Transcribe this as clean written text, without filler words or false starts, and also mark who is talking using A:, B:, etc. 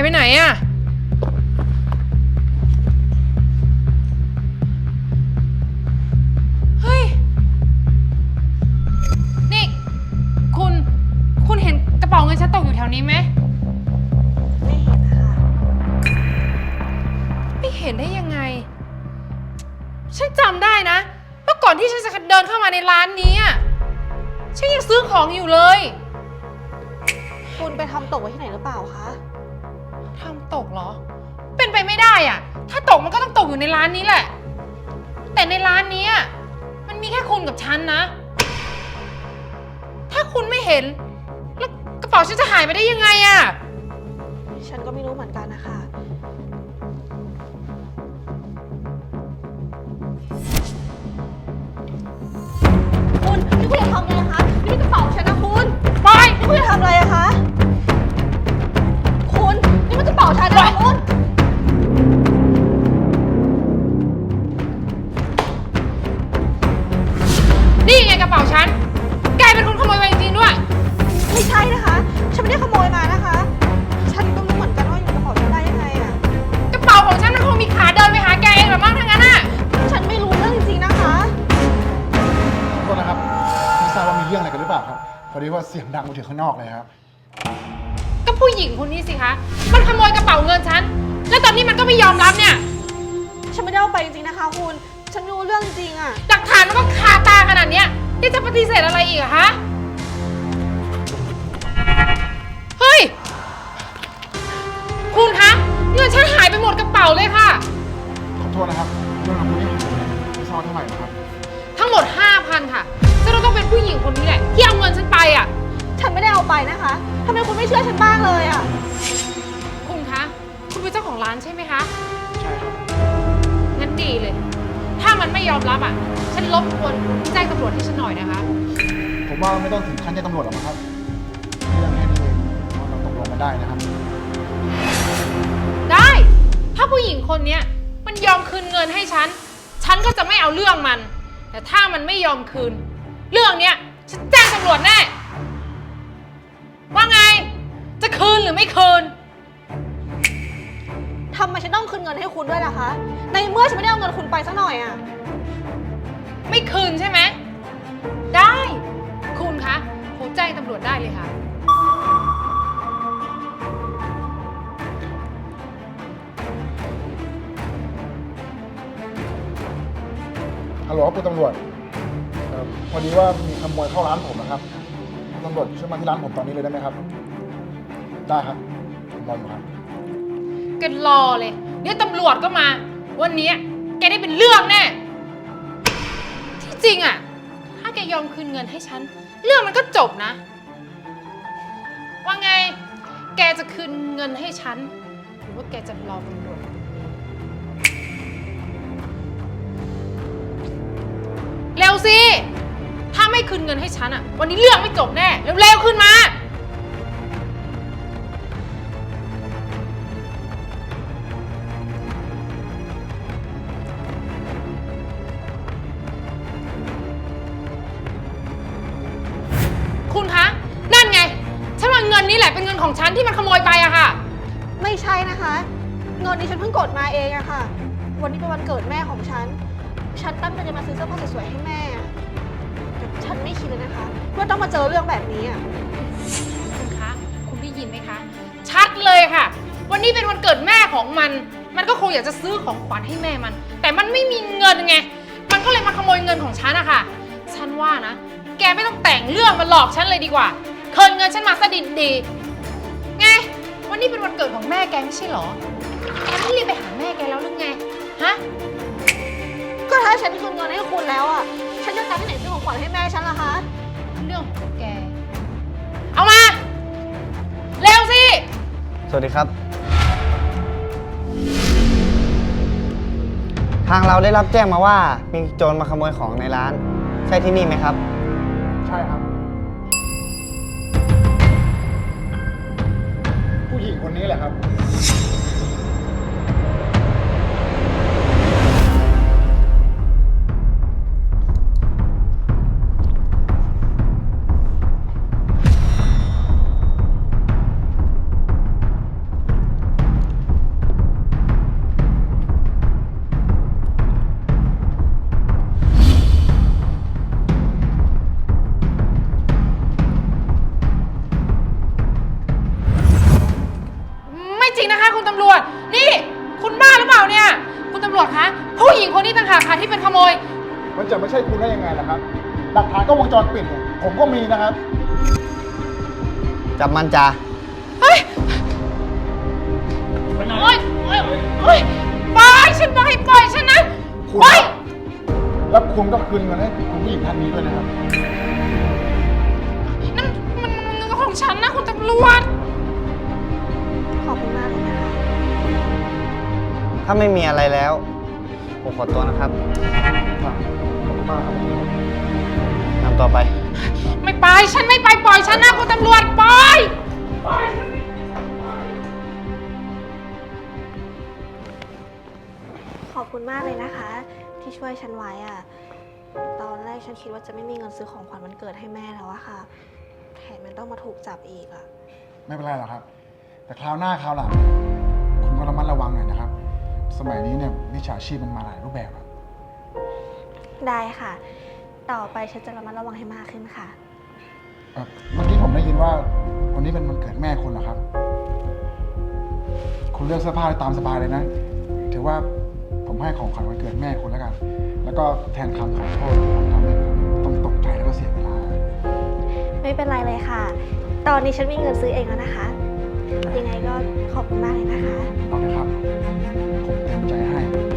A: ไปไหนอะเฮ้ยนี่คุณเห็นกระเป๋าเงินฉันตกอยู่แถวนี้ไหม
B: ไม่เห็นค่ะ
A: ไม่เห็นได้ยังไงฉันจำได้นะเมื่อก่อนที่ฉันจะเดินเข้ามาในร้านนี้อะฉันยังซื้อของอยู่เลย
B: คุณไปทำตกไว้ที่ไหนหรือเปล่าคะ
A: ทำตกเหรอเป็นไปไม่ได้อะถ้าตกมันก็ต้องตกอยู่ในร้านนี้แหละแต่ในร้านนี้มันมีแค่คุณกับฉันนะถ้าคุณไม่เห็นแล้วกระเป๋าฉันจะหายไปได้ยังไงอะ
B: ฉันก็ไม่รู้เหมือนกันนะคะคุณนี่คุณจะทำอะไรคะนี่กระเป๋าฉันนะคุณ
A: ไป
B: นี่คุณจะทำอะไรอะคะคุณนี่มันกระเป๋าฉันนะคุณ
A: นี่ไงกระเป๋าฉันกลายเป็นคนขโมยไปจริงๆด้วย
B: ไม่ใช่นะคะฉันไม่ได้ขโมยมานะคะฉันก็รู้เหมือนกันว่าอยู่กระเป๋าฉันได้ยังไงอะ
A: กระเป๋าของฉันมันคงมีขาเดินไปหาแกเองหรือมั้งทั้งนั้นอะ
B: ฉันไม่รู้เรื่องจริงๆนะคะ
C: ขอโทษนะครับไม่ทราบว่ามีเรื่องอะไรกันหรือเปล่าครับพอดีว่าเสียงดังมาถึงข้างนอกเลยครับ
A: ก็ผู้หญิงคนนี้สิคะมันขโมยกระเป๋าเงินฉันแล้วตอนนี้มันก็ไม่ยอมรับเนี่ย
B: ฉันไม่ได้เอาไปจริงๆนะคะคุณฉันไม่รู้เรื่องจริงอะ
A: หลักฐานมันก็คาตาขนาดเนี้ยที่จะปฏิเสธอะไรอีกอะฮะเฮ้ยคุณคะเงินฉันหายไปหมดกระเป๋าเลยค่ะ
C: ขอโทษนะครับเรื่องของคุณนี่ไม่ทราบเท่าไหร่นะครับ
A: ทั้งหมด 5,000 ค่ะจะต้องเป็นผู้หญิงคนนี้แหละที่เอาเงินฉันไปอะ
B: ฉันไม่ได้เอาไปนะคะทำไมคุณไม่เชื่อฉันบ้างเลยอะ
A: คุณคะคุณเป็นเจ้าของร้านใช่ไหมคะ
C: ใช่ครับ
A: งั้นดีเลยถ้ามันไม่ยอมรับฉันรบกวนแจ้งตำรวจให้ฉันหน่อยนะคะ
C: ผมว่าไม่ต้องถึงขั้นแจ้งตำรวจหรอกครับเรื่องแค่นี้เองเราตกลงกันได้นะครับ
A: ได้ถ้าผู้หญิงคนนี้มันยอมคืนเงินให้ฉันก็จะไม่เอาเรื่องมันแต่ถ้ามันไม่ยอมคืนเรื่องเนี้ยฉันแจ้งตำรวจแน่ว่าไงจะคืนหรือไม่คืน
B: ทำไมฉันต้องคืนเงินให้คุณด้วยล่ะคะในเมื่อฉันไม่ได้เอาเงินคุณไปสักหน่อยอะ
A: ไม่คืนใช่ไหมได้คุณคะโทรแจ้งตำรวจได้เลยค่ะ
C: ฮัลโหลคุณตำรวจพอดีว่ามีขโมยเข้าร้านผมนะครับตำรวจช่วยมาที่ร้านผมตอนนี้เลยได้ไหมครับได้ครับผมรออยู่ครับ
A: แกรอเลยเดี๋ยวตำรวจก็มาวันนี้แกได้เป็นเรื่องแน่ที่จริงถ้าแกยอมคืนเงินให้ฉันเรื่องมันก็จบนะว่าไงแกจะคืนเงินให้ฉันหรือว่าแกจะรอตำรวจเร็วสิถ้าไม่คืนเงินให้ฉันวันนี้เรื่องไม่จบแน่เร็วๆขึ้นมาคุณคะนั่นไงฉันว่าเงินนี้แหละเป็นเงินของฉันที่มันขโมยไปอะค่ะ
B: ไม่ใช่นะคะเงินนี้ฉันเพิ่งกดมาเองอะค่ะวันนี้เป็นวันเกิดแม่ของฉันตั้งใจจะมาซื้อเสื้อผ้าสวยๆให้แม่แต่ฉันไม่คิดเลยนะคะว่าต้องมาเจอเรื่องแบบนี้
A: คุณคะคุณได้ยินไหมคะชัดเลยค่ะวันนี้เป็นวันเกิดแม่ของมันก็คงอยากจะซื้อของขวัญให้แม่มันแต่มันไม่มีเงินไงมันก็เลยมาขโมยเงินของฉันอะค่ะฉันว่านะแกไม่ต้องแต่งเรื่องมาหลอกฉันเลยดีกว่าคืนเงินฉันมาซะดีๆไงวันนี้เป็นวันเกิดของแม่แกไม่ใช่หรอแกไม่รีบไปหาแม่แกแล้วหรือไงฮะ
B: ก็ถ้าฉันคืนเงินให้คุณแล้วฉันจะตังค์ที่ไหนซื้อของขวัญให้แม่ฉันล่ะคะ
A: เรื่องของแกเอามาเร็วสิ
D: สวัสดีครับทางเราได้รับแจ้งมาว่ามีโจรมาขโมยของในร้านใช่ที่นี่ไหมครับ
C: ใช่ครับผู้หญิงคนนี้แหละครับ
A: ำรวจคะ ผู้หญิงคนนี้ต่างหากค่ะที่เป็นขโมย
C: มันจะไม่ใช่คุณได้ยังไงล่ะครับ หลักฐานก็วงจรปิดเนี่ยผมก็มีนะครับ
D: จับมันจ้า
A: เฮ้ยโอ๊ยโอ๊ยโอ๊ยปล่อยฉันบอกให้ปล่อยฉันนะ
C: คุณ
A: ปล่อย
C: แล้วคุณก็คืนเงินให้คุณผู้หญิงท่านนี้ด้วยนะครับ
A: นั่นมันเงินของฉันนะคุณตำรวจ
B: ขอบคุณมากเลยนะคะ
D: ถ้าไม่มีอะไรแล้ว ผมขอตัวนะครับ
C: ขอบคุณมากครับ
D: นำต่อไป
A: ไม่ไป ฉันไม่ไป ปล่อยฉันนะคุณตำรวจ ปล่อย
B: ขอบคุณมากเลยนะคะ ที่ช่วยฉันไว้อะตอนแรกฉันคิดว่าจะไม่มีเงินซื้อของขวัญวันเกิดให้แม่แล้วอะค่ะ แถมมันต้องมาถูกจับอีกอะ
C: ไม่เป็นไรหรอกครับ แต่คราวหน้าคราวหลังคุณก็ระมัดระวังหน่อยนะครับ สมัยนี้เนี่ยมิจฉาชีพมันมาหลายรูปแบบอะ
B: ได้ค่ะ ต่อไปฉันจะระมัดระวังให้มากขึ้นค่ะ
C: เมื่อกี้ผมได้ยินว่าวันนี้เป็นวันเกิดแม่คุณเหรอครับ คุณเลือกเสื้อผ้าได้ตามสบายเลยนะ ถือว่าผมให้ของขวัญวันเกิดแม่คุณแล้วกัน แล้วก็แทนคำขอโทษที่ผมทำให้คุณต้องตกใจแล้วก็เสียเวลา
B: ไม่เป็นไรเลยค่ะ ตอนนี้ฉันมีเงินซื้อเองแล้วนะคะ ยังไงก็ขอบคุณมากเลยนะคะ
C: เอาเลยครับ ผมเต็มใจให้